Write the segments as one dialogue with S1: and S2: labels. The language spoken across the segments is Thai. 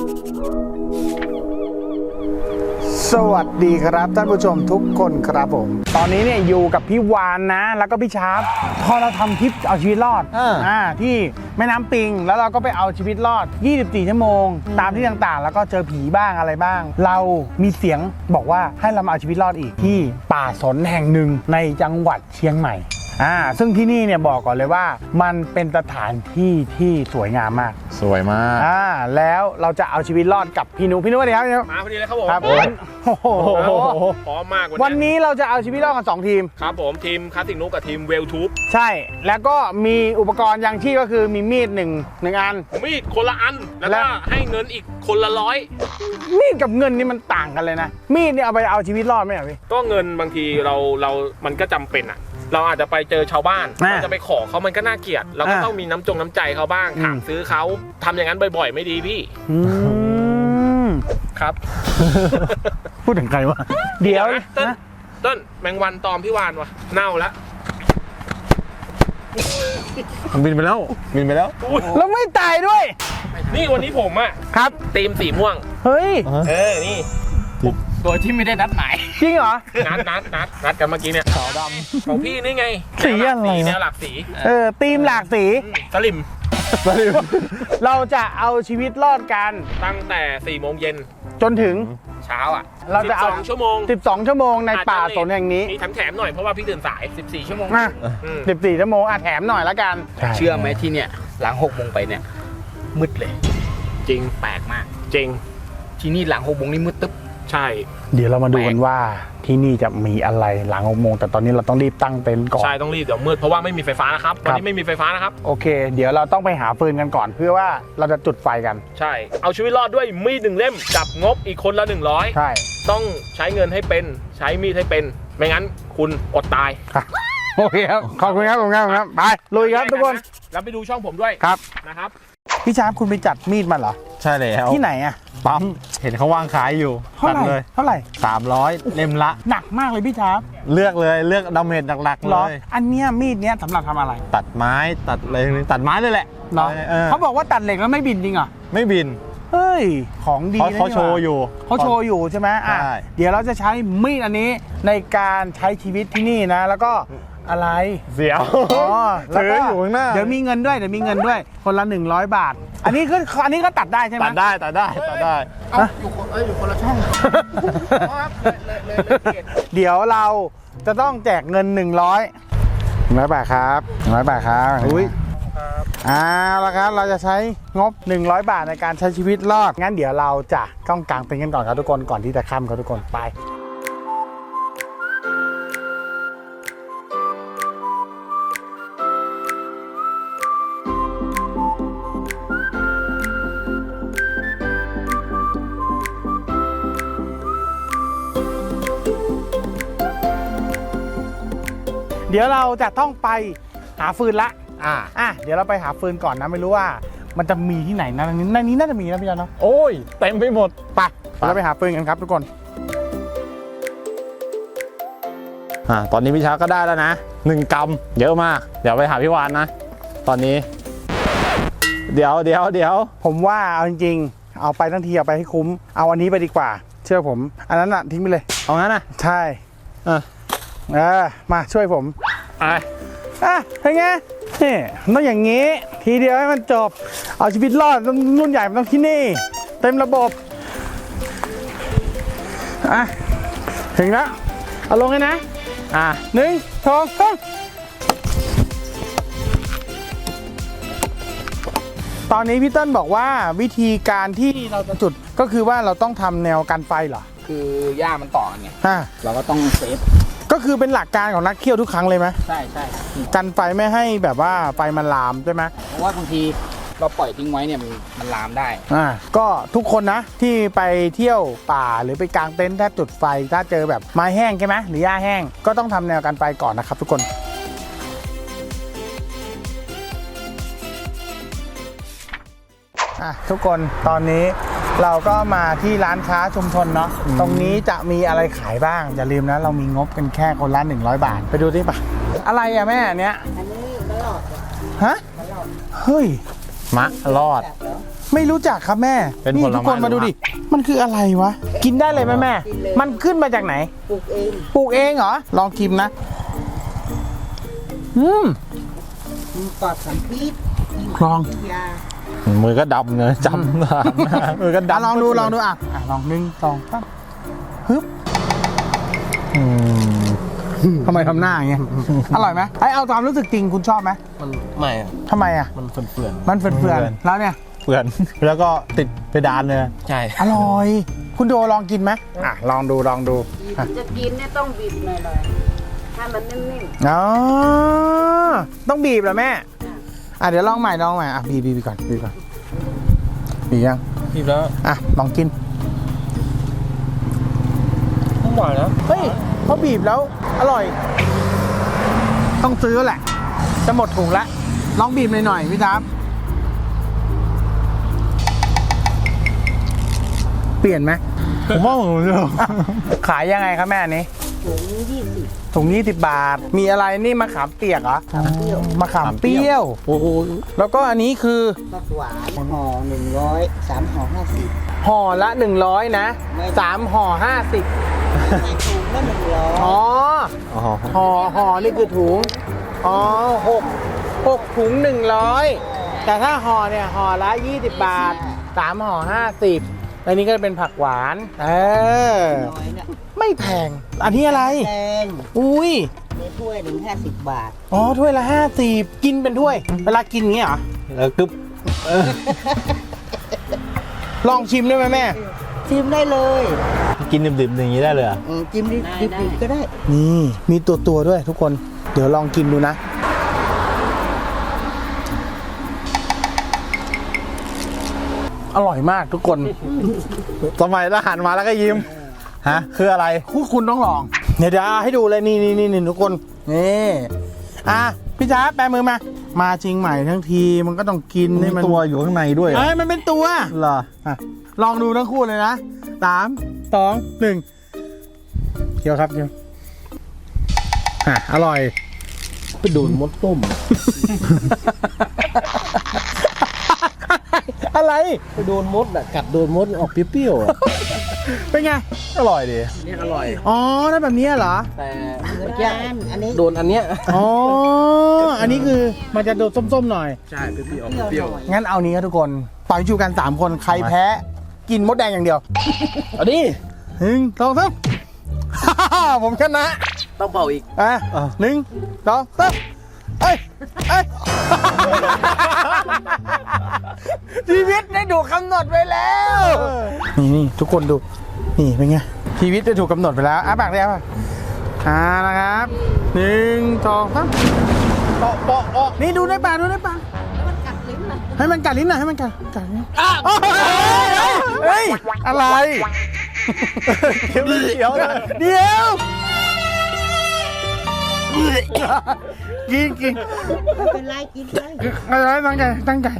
S1: สวัสดีครับท่านผู้ชมทุกคนครับผมตอนนี้เนี่ยอยู่กับพี่วานนะแล้วก็พี่ชาร์ปพอเราทำทริปเอาชีวิตรอดที่แม่น้ำปิงแล้วเราก็ไปเอาชีวิตรอด24ชั่วโมงตามที่ต่างๆแล้วก็เจอผีบ้างอะไรบ้างเรามีเสียงบอกว่าให้เรามาเอาชีวิตรอดอีกที่ป่าสนแห่งหนึ่งในจังหวัดเชียงใหม่ซึ่งที่นี่เนี่ยบอกก่อนเลยว่ามันเป็นสถานที่ที่สวยงามมาก
S2: สวยมาก
S1: แล้วเราจะเอาชีวิตรอดกับพี่นุสวัสดีครับ
S3: มาพอดีเลยครับผม
S1: โอ้โห
S3: พร้อมมาก
S1: วันนี้เราจะเอาชีวิตรอดกัน2ทีม
S3: ครับผมทีมคลาสสิกนุกับทีมเวลทูบ
S1: ใช่แล้วก็มีอุปกรณ์ยังชีพก็คือมีมีดหนึ่งอัน
S3: มีดคนละอันแล้วก็ให้เงินอีกคนละ100
S1: มีดกับเงินนี่มันต่างกันเลยนะมีดเนี่ยเอาไปเอาชีวิตรอดไหมพี่
S3: ก็เงินบางทีเรามันก็จำเป็นอะเราอาจจะไปเจอชาวบ้านเราจะไปขอเขามันก็น่าเกลียดเราก็ต้องมีน้ำใจเขาบ้างถามซื้อเขาทำอย่างนั้นบ่อยๆไม่ดีพี่ครับ
S1: พูดถึงใครวะเดี๋ยว
S3: ต้นแมงวันตอมพี่วานวะเน่าแล้ว
S2: บินไปแล้ว
S1: แล้วไม่ตายด้วย
S3: นี่วันนี้ผมอะ
S1: ครับ
S3: ทีมสีม่วง
S1: เฮ้ย
S3: นี่โดยที่ไม่ได้นัดหมาย
S1: จริงเหรอ
S3: นัดกันเมื่อกี้เนี่ยขาวดำของพี่นี่ไง
S1: สีอะไร
S3: แนวหลากสี
S1: ธีมหลากสี
S3: สลิม
S1: เราจะเอาชีวิตรอดกัน
S3: ตั้งแต่4 โมงเย็น
S1: จนถึง
S3: เช้าอ่ะ
S1: เราจะเอา
S3: 12 ชั่วโมง
S1: 12 ชั่วโมงในป่าสนแห่งนี้
S3: มีแถมหน่อยเพราะว่าพี่ตื่นสาย14 ชั่วโมง
S1: 14 ชั่วโมงแถมหน่อยละกัน
S4: เชื่อไหมที่เนี่ยหลัง6 โมงไปเนี่ยมืดเลย
S3: จริง
S4: แปลกมาก
S3: จริง
S4: ที่นี่หลัง6 โมงนี่มืดตึ๊บ
S3: ใช่
S1: เดี๋ยวเรามาดูกันว่าที่นี่จะมีอะไรหลัง6 โมงแต่ตอนนี้เราต้องรีบตั้งเต็นท์ก่อน
S3: ใช่ต้องรีบเดี๋ยวมืดเพราะว่าไม่มีไฟฟ้านะครับวันนี้ไม่มีไฟฟ้านะครับ
S1: โอเคเดี๋ยวเราต้องไปหาฟืนกันก่อนเพื่อว่าเราจะจุดไฟกัน
S3: ใช่เอาชีวิตรอดด้วยมีด1 เล่มกับงบอีกคนละ100
S1: ใช่
S3: ต้องใช้เงินให้เป็นใช้มีดให้เป็นไม่งั้นคุณอดตาย
S1: โอเคครับขอบคุณครับไปลุยครับทุกคน
S3: แล้วไปดูช่องผมด้วย
S1: ครับ
S3: นะครับ
S1: พี่ชาร์ปคุณไปจัดมีดมาเหรอ
S2: ใช่แล้ว
S1: ที่ไหนอะ
S2: ปั๊มเห็นเขาวางขายอยู่
S1: ตัดเลยเท่าไหร่
S2: 300เล่มละ
S1: หนักมากเลยพี่ชาร์ป
S2: เลือกดาเมจหลักๆเลย
S1: อันเนี้ยมีดเนี้ยสำหรับทำอะไร
S2: ตัดไม้ตัดอะไรตัดไม้เลยแหละ
S1: เขาบอกว่าตัดเหล็กแล้วไม่บินจริงเหรอ
S2: ไม่บิน
S1: เฮ้ยของดี
S2: เขาโชว์
S1: อยู่ใช่ไหมเดี๋ยวเราจะใช้มีดอันนี้ในการใช้ชีวิตที่นี่นะแล้วก็อะไร
S2: เสียว
S1: แล้วก็เดี๋ยวมีเงินด้วยคนละ100 บาทอันนี้ก็ตัดได้ใช่ไหม
S2: ตัดได้
S4: อยู่คนละช่อง
S1: เดี๋ยวเราจะต้องแจกเงิน100 บาทครับ100 บาทครับอุ้ยแล้วครับเราจะใช้งบ100 บาทในการใช้ชีวิตรอดงั้นเดี๋ยวเราจะต้องกางเต็นท์กันก่อนครับทุกคนก่อนที่จะค่ำครับทุกคนไปเดี๋ยวเราจะต้องไปหาฟืนละเดี๋ยวเราไปหาฟืนก่อนนะไม่รู้ว่ามันจะมีที่ไหนนะในนี้น่าจะมีนะพี่จอนเนาะ
S2: โอ้ยเต็มไปหมด
S1: ไปเราไปหาฟืนกันครับทุกคน
S2: ตอนนี้พี่ช้าก็ได้แล้วนะ1 กรัมเยอะมากเดี๋ยวไปหาพี่วานนะตอนนี้เดี๋ยว
S1: ผมว่าเอาจริงๆเอาไปทั้งทีเอาไปให้คุ้มเอาอันนี้ไปดีกว่าเชื่อผมอันนั้นน่ะทิ้งไปเลย
S2: เอางั้นนะ
S1: ใช่มาช่วยผมเป็นไงนี่ต้องอย่างนี้ทีเดียวให้มันจบเอาชีวิตรอดรุ่นใหญ่มันต้องที่นี่เต็มระบบถึงแล้วเอาลงเลยนะ1 2 3ตอนนี้พี่เติ้ลบอกว่าวิธีการที่เราจะจุดก็คือว่าเราต้องทำแนวกันไฟเหรอ
S4: คือหญ้ามันต่อกันไงเราก็ต้องเซฟ
S1: ก็คือเป็นหลักการของนักเที่ยวทุกครั้งเลยไหม
S4: ใช่
S1: กันไฟไม่ให้แบบว่าไฟมันลามใช่ไหม
S4: เพราะว่าบางทีเราปล่อยทิ้งไว้เนี่ยมันลามได้
S1: ก็ทุกคนนะที่ไปเที่ยวป่าหรือไปกางเต็นท์ถ้าจุดไฟถ้าเจอแบบไม้แห้งใช่ไหมหรือหญ้าแห้งก็ต้องทำแนวกันไฟก่อนนะครับทุกคนทุกคนตอนนี้เราก็มาที่ร้านค้าชุมชนเนาะตรงนี้จะมีอะไรขายบ้างอย่าลืมนะเรามีงบกันแค่คนละ100 บาทไปดูดิป่ะอะไรอะแม่เนี้ยอันนี้มะรอดฮะเฮ้ย
S2: มะรอด
S1: ไม่รู้จักครับแม่
S2: เป็น
S1: นี่
S2: ผลไม้
S1: ทุกคนมาดูดิ มันคืออะไรวะ กินได้เลยไหมแม่ มันขึ้นมาจากไหน
S5: ปลูกเอง
S1: ปลูกเองเหรอ ลองชิมนะ อืม
S5: มีปลอดสารพิษ
S1: ลอง
S5: ยา
S2: มือก็ดำเลยจำมือก็
S1: อ่ะ
S2: ดำ
S1: ลองดูลองดูอ่ะลอง1 2 3ฮึบ
S2: อืม
S1: ทำไมทำหน้าอย่างเงี้ย อร่อยไหมไอ้เอาความรู้สึกจริงคุณชอบไหม
S4: มันไม่อะ
S1: ทำไมอ่ะ
S4: มันเฟื่อน
S1: มันเฟื่อนๆแล้วเนี่ย
S2: เพื่อนแล้วก็ติดเพดานเลย
S4: ๆใช่
S1: อร่อย คุณโดลองกินไหมอ่ะลองดูลองดูอ่ะ
S5: จะกินเนี่ยต้องบีบหน่อยๆให้มันนิ่ม
S1: อ๋อต้องบีบเหรอแม่อ่ะเดี๋ยวลองใหม่อ่ะบีบก่อนบีบยัง
S4: พี่แล้ว
S1: อ่ะลองกิน
S4: ต้องหวานนะ
S1: เฮ้ยเขาบีบแล้วอร่อย ต้องซื้อแหละ จะหมดถุงละลองบีบหน่อยพี่จ๊าบเปลี่ยนไหม
S2: ผมว่าผมจะ
S1: ขายยังไงครับแม่อันนี้
S5: ๆถุง20
S1: ถุง20 บาท มีอะไรนี่มะขามเปียกเหรอ
S5: เปรี้ยว
S1: มะขามเปรี้ยว
S2: โอ้โห
S1: แล้วก็อันนี้คือ
S5: ผักหวานห่อ100 3ห่อ50
S1: ห่อละ100นะ3ห่อ50
S5: ในถุงละ100
S1: อ๋อ
S2: อ๋อ
S1: ห่อนี่คือถุง อ๋อ6ถุง100 แต่ถ้าห่อเนี่ยห่อละ20 บาท3ห่อ50อันนี้ก็เป็นผักหวาน
S5: น้อยเนี่ย
S1: ไม่แพง อันนี้อะไร
S5: แดง
S1: อุ้ย
S5: ในถ้วยหนึ่ง50 บาท
S1: อ๋อถ้วยละ50กินเป็นถ้วย เวลากินอย่างเงี้ยเหรอ
S2: แล้วกึ๊บ
S1: ลองชิมได้ไหมแม่
S5: ชิมได้เลย
S2: กินดิบๆอย่างนี้ได้เลยเหรอ
S5: จิ้มดิบๆก็ได้
S1: นี่มีตัวด้วยทุกคน เดี๋ยวลองกินดูนะ อร่อยมากทุกคน
S2: สมัยทหารมาแล้วก็ยิ้มฮะคืออะไร
S1: คุณต้องลอง เดี๋ยวให้ดูเลยนี่ทุกคน นี่อ่ะพี่จ๊าแปมือมา มาจริงใหม่ทั้งทีมันก็ต้องกินให้
S2: มี
S1: มัน
S2: ตัวอยู่ข้างในด้วยเหรอ
S1: เอ้ยมันเป็นตัว
S2: เหรอ
S1: อ่ะลองดูทั้งคู่เลยนะ3 2 1เคี้ยวครับเคี้ยวอร่อย
S4: ไปโดนมดต้ม
S1: อะไร
S4: ไปโดนมดอ่ะกัดโดนมดออกเปรี้ยวๆอ่ะ
S1: เป็นไง
S2: อร่อยดี
S4: นี่อร่อย
S1: อ๋อนั่นแบบนี้เหรอ
S4: แต่
S5: เหมือน
S4: เมื่อกี้
S5: กันอันนี้
S4: โดนอันเนี้ย
S1: อ๋อ อันนี้คือมันจะโดดส้มๆหน่อย
S4: ใช่เปรี้ยว
S5: เปรี้ยวหน่อย
S1: งั้นเอานี้ครับทุกคนต่อยชูกัน3 คนใครแพ้ กินมดแดงอย่างเดียว
S4: ๆเอาดิ
S1: 1 2 3 ผมชนะ
S4: ต้องเป่าอีก
S1: อ่ะ1 2 3เอ้ยชีวิตได้ถูกกำหนดไว้แล้ว นี่ทุกคนดู นี่เป็นไง ชีวิตได้ถูกกำหนดไปแล้วปากได้ป่ะนะครับ1 2 3เปาะนี่ดูในปากให้มันกัดลิ้นหน่อยให้มันกัดลิ้นเฮ้ยอะไรเดี๋ยวเดี๋ยวกิน
S5: ไม่เป็นไรกินเลย
S1: อะไรตั้งใจ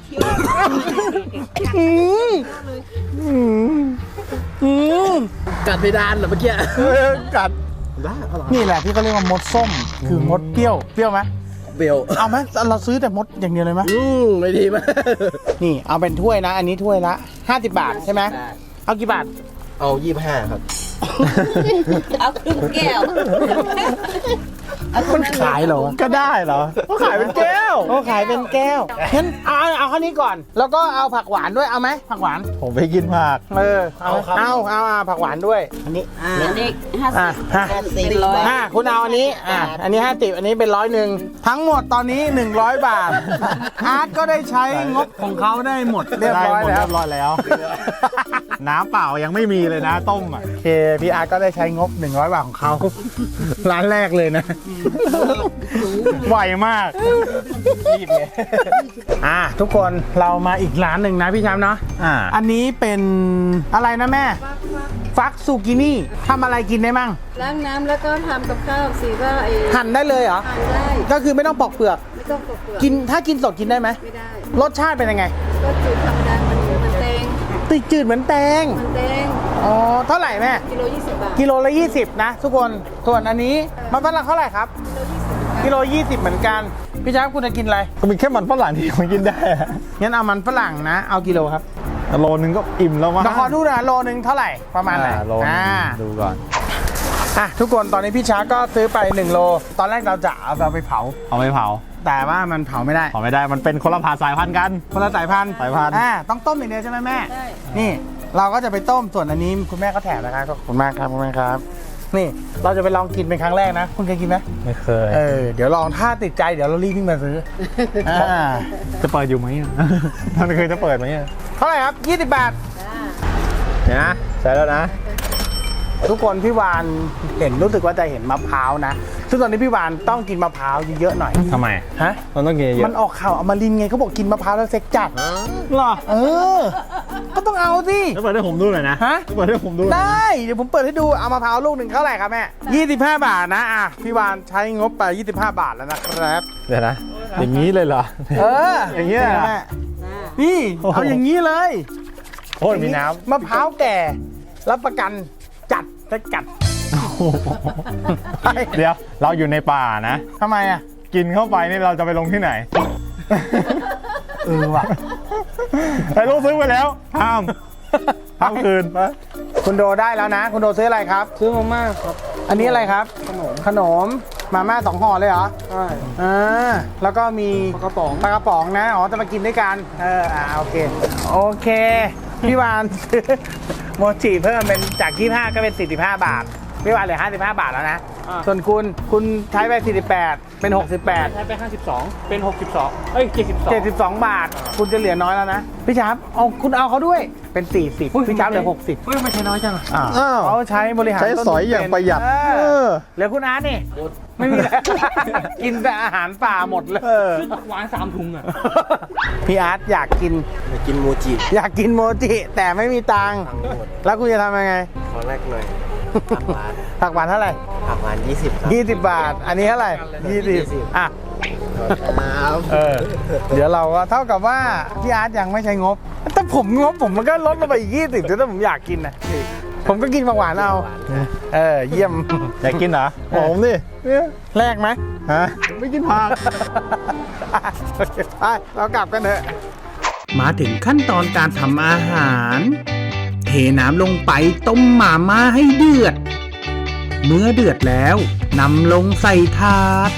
S4: กัดเพดานเหรอเมื่อกี้
S1: กัด
S4: บ้าอร่อย
S1: นี่แหละที่เขาเรียกว่ามดส้ม คือมดเปรี้ยวไหม
S4: เบล
S1: เอาไหมเราซื้อแต่มดอย่างเดียวเลยไหม
S4: ไม่ดีมาก
S1: นี่เอาเป็นถ้วยนะ อันนี้ถ้วยละ50 บาทใช่ไหมเอากี่บาท
S4: เอา25ครับ
S5: เอาครึ่งแก้ว
S1: มันขายเหรอ
S2: ก็ได้เหรอก็ขายเป็นแก้ว
S1: เขาขายเป็นแก้วงั้นเอาข้าวนี้ก่อน แล้วก็เอาผักหวานด้วยเอาไหมผักหวาน
S2: ผมไปกินผัก
S1: เอาผักหวานด้วยอันนี้
S5: อันนี้
S1: 50
S5: 50
S1: คุณเอาอันนี้อันนี้50อันนี้เป็น100ทั้งหมดตอนนี้100 บาทอาร์ตก็ได้ใช้งบของเขาได้หมดเรียบร้อยแล้ว
S2: เรียบร้อยแล้ว น้ำเปล่ายังไม่มีเลยนะต้มอ่ะ
S1: โอเคพี่อาร์ตก็ได้ใช้งบ100 บาทของเขา ร้านแรกเลยนะ ไวมากรีบเลยทุกคนเรามาอีกร้านหนึ่งนะพี่ช้ำเนาะ อันนี้เป็นอะไรนะแม่ ฟักซูกินี่ทำอะไรกินได้มั่ง
S6: ล้างน้ำแล้วก็ทำกับข้าวสีว่าไอ้
S1: หั่นได้เลยเหรอ
S6: ทานได้
S1: ก็คือไม่ต้องปอกเปลือก
S6: ไม่ต้องปอกเปลือก
S1: กินถ้ากินสดกินได้ไหม
S6: ไม่ได้
S1: รสชาติเป็นยังไง
S6: ก็จืดธรรมดามันเหมือนมันแตง
S1: ติดจืดเหมือนแตง
S6: มันแตง
S1: อ๋อเท่าไหร่แม่
S6: กิโล20 บาท
S1: กิโลละ20นะทุกคนส่วนอันนี้มันฝรั่งเท่าไหร่ครับ
S6: กิโล20
S1: กิโล20เหมือนกันพี่ช้างคุณจะกินอะไร
S2: ก็มีแค่มันฝรั่งที่ผมกินได้อะ
S1: งั้นเอามันฝรั่งนะ เอากิโลครับ
S2: โลนึงก็อิ่มแล้วมั้ง
S1: มาขอดูนะโลนึงเท่าไหร่ประมาณไหน
S2: โลนึงดูก่อน
S1: ทุกคนตอนนี้พี่ช้างก็ซื้อไป1โลตอนแรกเราจะเอาไปเผา
S2: เอาไปเผา
S1: แต่ว่ามันเผาไม่ได้
S2: เผาไม่ได้มันเป็นคนละผ่าสายพันธุ์กัน
S1: คนละสายพันธุ์
S2: สายพันธุ์
S1: ต้องต้มอย่างเดียวใช่ไหมแม่
S6: ใช่
S1: นี่เราก็จะไปต้มส่วนอันนี้คุณแม่ก็แถมนะครับขอบคุณมากครับคุณแม่ครับ นี่เราจะไปลองกินเป็นครั้งแรกนะ คุณเคยกินไหม
S2: ไม่เคย
S1: เดี๋ยวลองถ้าติดใจเดี๋ยวเรารีบวิ่งมาซื้ออ่า
S2: จะเปิดอยู่ไหมอะ มันเคยจะเปิดไหมอะ
S1: เท่าไหร่ครับ20 บาท
S2: เดี๋ยวนะใส่แล้วนะ
S1: ทุกคนพี่วานเห็นรู้สึกว่าจะเห็นมะพร้าวนะซึ่งตอนนี้พี่วานต้องกินมะพร้าวเยอะๆหน่อย
S2: ทำไม
S1: ฮะ
S2: มันต้องกินเย
S1: มัน
S2: อะ
S1: ออกข่าวอมรินทร์ไงเขาบอกกินมะพร้าวแล้วเซ็กจัด
S2: หรอ
S1: ก็ต้องเอาสิ
S2: แล้วเปิดให้ผมดูหน่อยนะ
S1: ฮะ
S2: เปิดให้ผมดูหน่อย
S1: ได้เดี๋ยวผมเปิดให้ดูเอามะพร้าวลูกหนึ่งเท่าไหร่ครับแม่25 บาทนะพี่วานใช้งบไป25 บาทแล้วนะครับ
S2: เดี๋ยวนะ อย่างนี้เลยเหรอ อย่างเงี้ย
S1: แม่นี่
S2: โอ้โห
S1: เอาอย่างนี้เลย
S2: โอ้ยมีน้
S1: มะพร้าวแก่รับประกันจัดจะจัด
S2: ำเดี๋ยวเราอยู่ในป่านะ
S1: ทำไมอ่ะ
S2: กินเข้าไปนี่เราจะไปลงที่ไหน
S1: ว่ะ
S2: ไอ้ลูกซื้อไปแล้วห้ามคืนไป
S1: คุณโดได้แล้วนะ คุณโดซื้ออะไรครับ
S5: ซื้อมาม่าครับ
S1: อันนี้อะไรครับ ขนมมาม่า2 ห่อเลยเหรอ
S5: ใช่
S1: แล้วก็มี
S5: ปลากระป๋อง
S1: ปลากระป๋องนะอ๋อจะมากินด้วยกันโอเคโอเคพี่วาน ซื้อโมจิเพิ่มเป็นจาก25ก็เป็น45 บาทพี่วานเหลือ55 บาทแล้วนะส่วนคุณใช้ไป48เป็น68
S4: ใช้ไป52เป็น62เอ้ย72
S1: 72 บาท คุณจะเหลือน้อยแล้วนะพี่ชาร์ปคุณเอาเขาด้วยเป็น40พี่ชาร์ปเหลือ60
S4: เฮ้ยไม่ใช่น้อยจังอะ
S2: อ้าว
S1: เขาใช้บริหาร
S2: ใช้
S1: ต้นทุน
S2: สอยอย่างประหยัด
S1: เหลือคุณอาร์ตนี่ไม่มีแล้ว กินแต่อาหารป่าหมดเลย
S4: หวาน3 ถุงอะ
S1: พี่อาร์ตอยากกิน
S5: ไปกินโมจิ
S1: อยากกินโมจิแต่ไม่มีตังค์
S5: ตังค์หมด
S1: แล้วคุณจะทำยังไง
S5: ขอแรกหน่อยผักหวาน
S1: ผักหวานเท่าไหร่
S5: ผักหวาน20ครับ
S1: 20 บาท อันนี้เท่าไหร่20อ่ะ
S5: ครับ
S1: เดี๋ยวเราก็เท่ากับว่าพี่อาร์ตยังไม่ใช้งบแต่ผมงบผมมันก็ลดลงไปอีก20แต่ถ้าผมอยากกินนะผมก็กินผักหวานเอาเยี่ยม
S2: อยากกินเหรอบอกผมดิเนี่ย
S1: แลกไหม
S2: ฮะไม่กินผัก
S1: ไปเรากลับกันเถอะ
S7: มาถึงขั้นตอนการทำอาหาร เทน้ำลงไปต้มหม่าม่าให้เดือด เมื่อเดือดแล้วนำลงใส่ถาด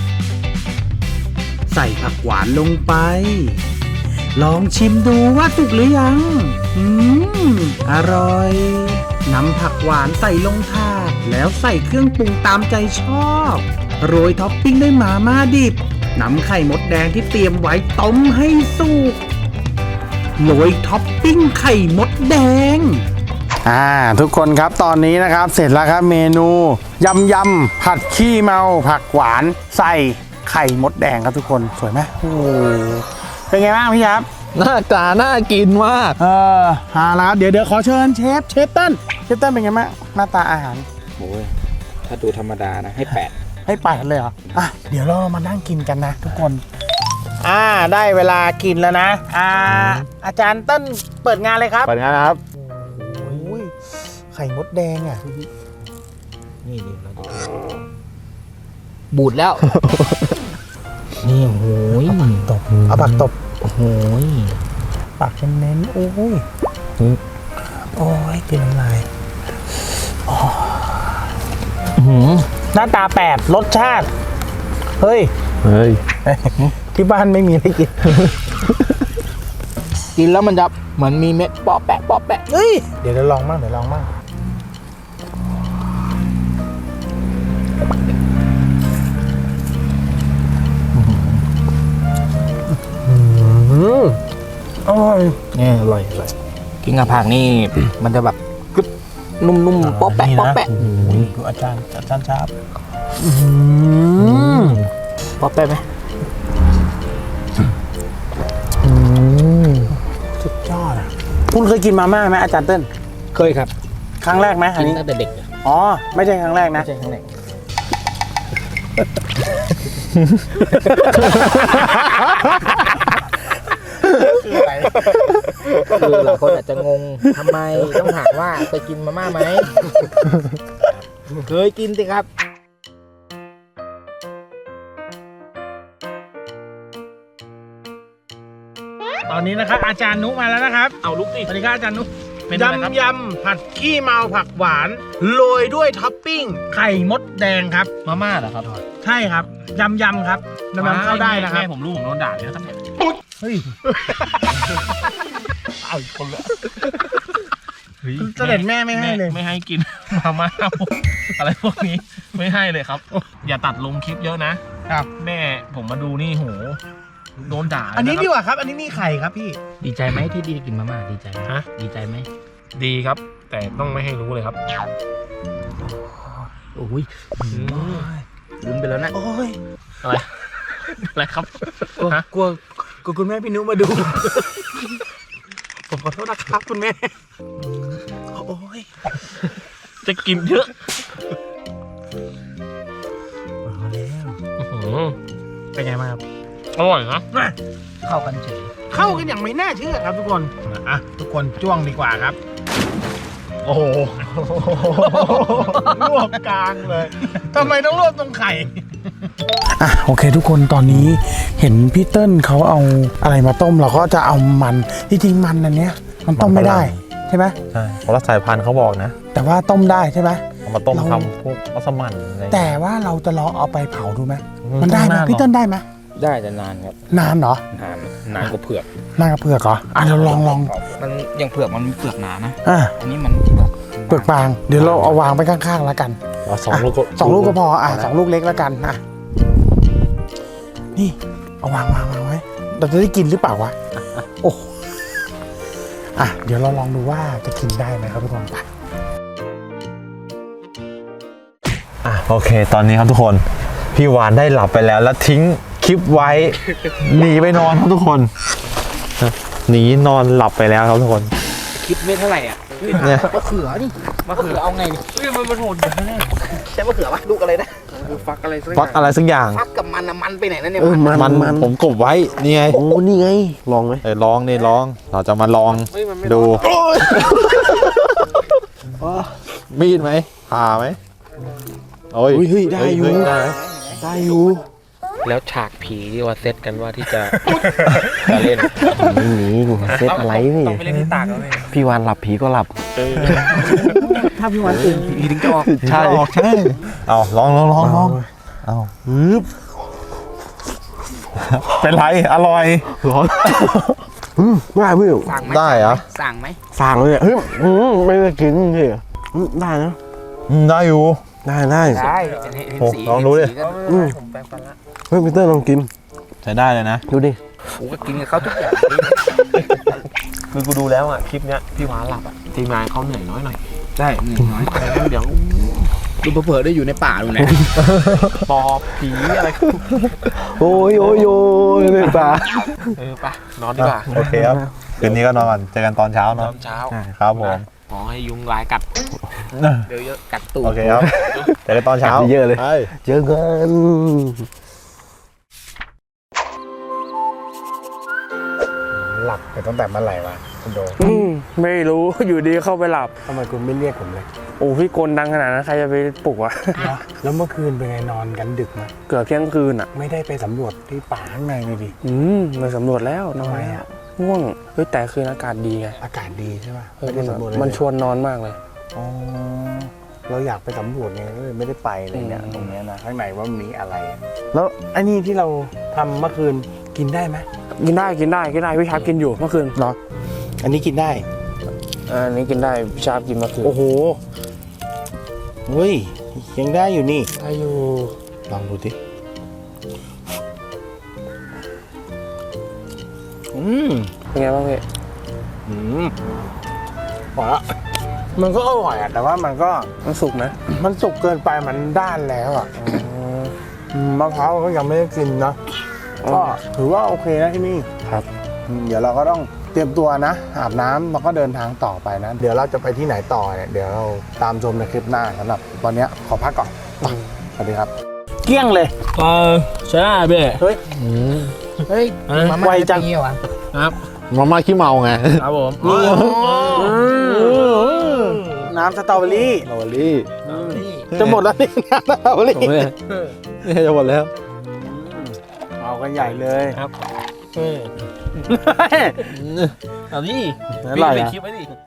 S7: ใส่ผักหวานลงไป ลองชิมดูว่าสุกหรือยังอร่อยนำผักหวานใส่ลงถาดแล้วใส่เครื่องปรุงตามใจชอบโรยท็อปปิ้งด้วยหม่าม่าดิบนำไข่มดแดงที่เตรียมไว้ต้มให้สุกโรยท็อปปิ้งไข่มดแดง
S1: ทุกคนครับตอนนี้นะครับเสร็จแล้วครับเมนูยำผัดขี้เมาผักหวานใส่ไข่มดแดงครับทุกคนสวยไหมโอ้โหเป็นไงบ้างพี่ครับ
S2: หน้าตาน่ากินมาก
S1: แล้วครับเดี๋ยวขอเชิญเชฟเติ้ลเป็นไงบ้างหน้าตาอาหาร
S4: โอ้ยถ้าดูธรรมดานะให้
S1: ให้ไปเลยเหรอเดี๋ยวเรามานั่งกินกันนะทุกคนได้เวลากินแล้วนะอาจารย์เติ้ลเปิดงานเลยครับ
S2: เปิดงานนะครับ
S1: โอ้ยไข่มดแดงอ่ะ
S4: นี่เราดูบูดแล้ว นี่โอ้ย
S1: ตบเอาปากตบ
S4: โอ้โห
S1: ปากเน้นๆโอ้ยโอ้ยกินน้ำลายหน้าตาแปลกรสชาติเฮ้ย ที่บ้านไม่มีอะไรกิน
S4: กินแล้วมันจะเหมือนมีเม็ดปอแปะปอแปะ
S1: เฮ้ยเดี๋ยวลองมั่งอร่อย
S4: นี่อร่อยกินกับผักนี่ มันจะแบบกรึบนุ่มๆปอแปะปอแปะ
S1: ดูอาจารย์ชาบ
S4: ปอแปะไหม
S1: สุดยอดอ่ะคุณเคยกินมาม่าไหมอาจารย์เติ้ล
S4: เคยครับ
S1: ครั้งแรกไหมอั
S4: กิ
S1: น
S4: น
S1: นี้
S4: ตั้งแต่เด็ก
S1: อ๋อไม่ใช่ครั้งแรกนะ
S4: ไม่ใช่ครั้งแรกคือหลายคนอาจจะงงทำไมต้องถามว่าเคยกินมาม่าไหม เคยกินสิครับ
S1: ตอนนี้นะครับอาจารย์นุมาแล้วนะครับ
S3: เอาลุกดิ
S1: สวัสดีครับอาจารย์นุ
S3: เป็นอะไรครับ
S1: ยำผัดขี้เมาผักหวานโรยด้วยท็อปปิ้งไข่มดแดงครับ
S3: มาม่าเหรอครับ
S1: ใช่ครับยำครับยำเข้าได้นะครับ
S3: แม่ผมรู้ผมโดนด่าเลยนะครับเนี่ย
S1: เฮ้ย
S3: เอาอีกคนละฮ้ย
S1: เสด็จแม่ไม่ให้เลย
S3: ไม่ให้กิน มาม่าอะไรพวกนี้ไม่ให้เลยครับ อย่าตัดลงคลิปเยอะนะครับ แม่ผมมาดูนี่โหโดนด่า
S1: อันนี้
S3: ะครับ
S1: ดีกว่าครับ อันนี้มีไข่ครับพี่
S4: ดีใจไหมที่ดีกินมาม่าดีใจไหม
S3: ฮะ
S4: ดีใจไหม
S3: ดีครับ แต่ต้องไม่ให้รู้เลยครับ
S4: โอ้ยลืมไปแล้วนะ
S1: โอ้ย
S3: อะไรอะไรครับฮะ
S1: กลัวคุณแม่พี่นุมาดู ผมขอโทษนะครับคุณแม่ โอ้ย
S3: จะกินเยอะ
S1: มาแล้ว
S3: อื้อหือ
S1: เป็นไงบ้างครับ
S3: อร่อยนะ
S4: เข้ากันเฉย
S1: เข้ากันอย่างไม่น่าเชื่อครับทุกคนอ่ะทุกคนจ้วงดีกว่าครับ โอ้โหลวกกลางเลยทำไมต้องลวกตรงไข่อ่ะโอเคทุกคนตอนนี้เห็นพี่เติ้ลเขาเอาอะไรมาต้มเราก็จะเอามันที่จริงมันอันเนี้ยมันต้มไม่ได้ใช่ไหม
S2: ใช่เพราะละสายพันธุ์เขาบอกนะ
S1: แต่ว่าต้มได้ใช่ไหม
S2: เอามาต้ม
S1: เรา
S2: ทำพวกมัสมั่นอะไร
S1: แต่ว่าเราจะลองเอาไปเผาดูไหมมันได้ไหมพี่เติ้ลได้ไหม
S4: ได้แต่นานครับ
S1: นานเหรอน
S4: านกว่าเผือก
S1: นานกับเผือกเหรออ่ะเราลอง
S4: มันอย่างเผือกมันมีเปลือกหนานะ
S1: อ่ะ
S4: อันนี้มันเปลือก
S1: เปลือกบางเดี๋ยวเราเอาวางไปข้างๆแล้วกัน
S2: เอาสองลูกก็
S1: สองลูกก็พออ่ะสองลูกเล็กแล้วกันอ่ะนี่เอาวางไว้เราจะได้กินหรือเปล่าวะโอ้อ่ะเดี๋ยวเราลองดูว่าจะกินได้ไหมครับทุกคนไป
S2: โอเค ตอนนี้ครับทุกคน พี่วานได้หลับไปแล้วแล้วทิ้งคลิปไว้ หนีไปนอนครับทุกคนหนีนอนหลับไปแล้วครับทุกคน
S4: คิดไม่เท่าไหร่อ่ะ
S2: เนี่ย
S4: มะเขือนี่มะเขือเอาไงนี่มันโหดอยู่แน่ใช่มะเขือปะลูกอะไรนะฟักอะไรสัก
S2: ฟักอะไรสักอย่าง
S4: ฟักกับมันมันไปไหนนั่นเนี่ย
S2: มันผมกบไว้นี่ไง
S5: โอ้นี่ไง ลองไหม
S2: ลองนี่ลอง เราจะมาลองดูมีดไหมผ่าไหมโอ้ย
S5: เฮ้ยได้อยู่
S2: ได้ไหม
S5: ได้อยู่
S3: แล้วฉากผีที่ว่าเซตกันว่าที่จะ จะเล่น
S5: ไม่หนีกูเซตอะไรนี่
S3: ต้องไปเล่นที่ตากแล้วเลย
S5: พี่วานหลับผีก็หลับ
S4: ถ้าพี่วันตื่นผีถึงจะออก
S2: ใช่ใช่เอาลองเอาเป็นไรอร่อย
S5: ร้อนได้พี่
S4: สั่งไหม
S2: ได้เหรอ
S4: สั่งไหม
S5: สั่งเลยเฮ้ยไม่ได้กินพี่ได้นะ
S2: ได้อยู่
S5: ได้
S4: ได้เห็น
S2: โอ้
S4: สี
S2: ลองดูดิ
S4: เห็นสีก็
S3: ผมแปลงฟันละ
S5: เฮ้ยพีเตอร์ลองกิน
S2: ใช้ได้เลยนะ
S5: ดูดิ
S4: กูก็กินกับเขาทุกอย่าง
S3: คือกูดูแล้วอ่ะ คลิปเนี้ยพี่ว้าหลับอ่ะ ทีมงานเขาเหนื่อยน้อยหน่อย
S4: ใช่หนึ่งน้อย
S3: แต่งั้นเดี๋ยว
S4: ดูเผลอๆได้อยู่ในป่าดูนะ
S3: ปอบผีอะไร
S5: โอ้ยเลยป่า
S3: ไปนอนดีกว่า
S2: โอเคครับคืนนี้ก็นอนก่อนเจอกันตอนเช้า
S3: ต
S2: เนาะ
S3: อนเช้า
S2: ครับผม
S3: ขอให้ยุงลายกัดเดี๋ยวเยอะ
S4: กัดตูด
S2: โอเคครับเจอกันตอนเช้า
S5: เยอะเลย
S2: ไป
S5: เจอกัน
S1: หลับไปตั้งแต่เมื่อไหร่วะคุณโด
S8: ไม่รู้ อยู่ดีเข้าไปหลับ
S1: ทำไมคุณไม่เรียกผมเลย
S8: โอ้พี่กลดังขนาดนั้นใครจะไปปลุกวะ
S1: แล้วเมื่อคืนเป็นไงนอนกันดึกไหม
S8: เกือบเที่ยงคืนอ่ะ
S1: ไม่ได้ไปสำรวจที่ป่าข้างในเลยดิ
S8: มาสำรวจแล้วน
S1: ทำ
S8: อน
S1: ไม
S8: แล้ว
S1: อ่ะ
S8: ง่วงเฮ้ยแต่คืนอากาศดีไง
S1: อากาศดีใช่ป่ะ
S8: เออ
S1: ไม่ได้สำรวจเลย
S8: มันชวนนอนมากเลย
S1: อ๋อเราอยากไปสำรวจไงก็เลยไม่ได้ไปเลยเนี่ยตรงเนี้ยนะข้างในว่ามีอะไร แล้วไอ้นี่ที่เราทำเมื่อคืนกินได้ไหม
S8: กินได้พี่ชาร์ปกินอยู่เมื่อคืน
S1: เหรออันนี้กินได้
S8: อันนี้กินได้พี่ชาร์ปกินเมื่อคืน
S1: โอ้โหเฮ้ยยังได้อยู่นี่
S8: ได้อยู่
S1: ลองดูดิ
S8: เป็นไงบ้างพี่
S1: พอละมันก็อร่อยอ่ะแต่ว่ามันก็
S8: มันสุกนะ
S1: มันสุกเกินไปมันด้านแล้วอ่ะมะพร้าวก็ยังไม่ได้กินนะก็ถือว่าโอเคนะที่นี่
S8: ครับ
S1: เดี๋ยวเราก็ต้องเตรียมตัวนะอาบน้ำแล้วก็เดินทางต่อไปนะ เดี๋ยวเราจะไปที่ไหนต่อเนี่ยเดี๋ยวเราตามชมในคลิปหน้าสำหรับวันนี้ขอพักก่อนสวัสดีครับ เกลี้ยงเลย
S3: ใช่เบ้
S1: เฮ้ย
S4: เฮ้ยมาม่า
S1: ไวจัง
S4: เป็นอย่างงี้เหรอวะ
S2: มาม่าขี้เมาไง
S3: ครับผม
S1: น้ำสตรอเบอรี่
S2: ลาวลี่
S1: จะหมดแล้วนี่น้ำสตรอเบอรี่
S2: นี่จะหมดแล้ว
S1: เอากันใหญ่เลย
S3: ครับเอาดิ
S2: อร่อย
S3: เป็น
S2: นะ
S3: คลิปไว้ดิ